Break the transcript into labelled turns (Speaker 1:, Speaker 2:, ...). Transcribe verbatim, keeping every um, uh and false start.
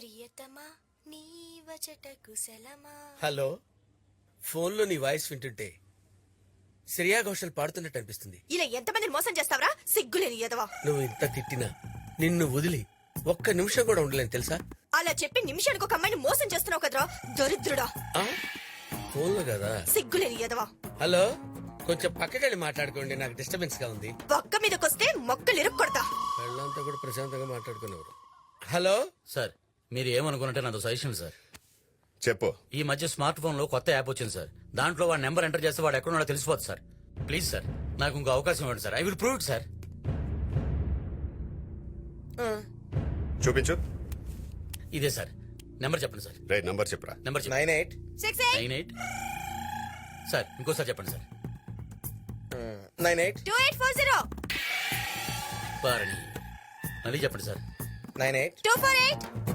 Speaker 1: ప్రియతమా నీవచట కుశలమా.
Speaker 2: హలో, ఫోన్లో నీ వాయిస్ వింటుంటే శ్రేయా ఘోషల్ పాడుతున్నట్టు అనిపిస్తుంది.
Speaker 1: ఇలా ఎంతమందిని మోసం చేస్తావరా సిగ్గులేని ఎదవా.
Speaker 2: నువ్వు ఇంత తిట్టినా నిన్ను వదిలి ఒక్క నిమిషం కూడా ఉండలేను తెలుసా.
Speaker 1: అలా చెప్పి నిమిషానికి ఒక అమ్మాయిని మోసం చేస్తున్నావు కదరా దరిద్రుడా.
Speaker 2: ఫోన్లో కదా.
Speaker 1: సిగ్గులేని ఎదవా.
Speaker 2: హలో, కొంచెం పక్కకెళ్ళి మాట్లాడుకోండి, నాకు డిస్టర్బెన్స్ గా ఉంది.
Speaker 1: పక్క మీదకొస్తే మొక్కలు ఇరుక్కొడతా.
Speaker 2: వాళ్ళంతా కూడా ప్రశాంతంగా మాట్లాడుకునేవారు. హలో
Speaker 3: సార్, మీరు ఏమనుకున్నట్టే నాతో సజెషన్ సార్.
Speaker 4: చెప్పు.
Speaker 3: ఈ మధ్య స్మార్ట్ ఫోన్ లో కొత్త యాప్ వచ్చింది సార్. దాంట్లో వాడి నెంబర్ ఎంటర్ చేస్తే వాడు ఎక్కడున్నాడో తెలిసిపోతుంది సార్. ప్లీజ్ సార్, నాకు ఇంకో అవకాశం ఇవ్వండి sir. I will prove it sir.
Speaker 4: చూపించు.
Speaker 3: ఇదే సార్ నెంబర్ చెప్పండి సార్.
Speaker 4: రైట్ నంబర్ చెప్పురా.
Speaker 3: Number
Speaker 2: nine eight
Speaker 1: six
Speaker 3: nine eight sir, ఇంకోసారి చెప్పండి sir.
Speaker 2: Nine eight
Speaker 1: two eight four zero
Speaker 3: బారణి మళ్ళీ చెప్పండి sir.
Speaker 2: Nine eight
Speaker 1: two four eight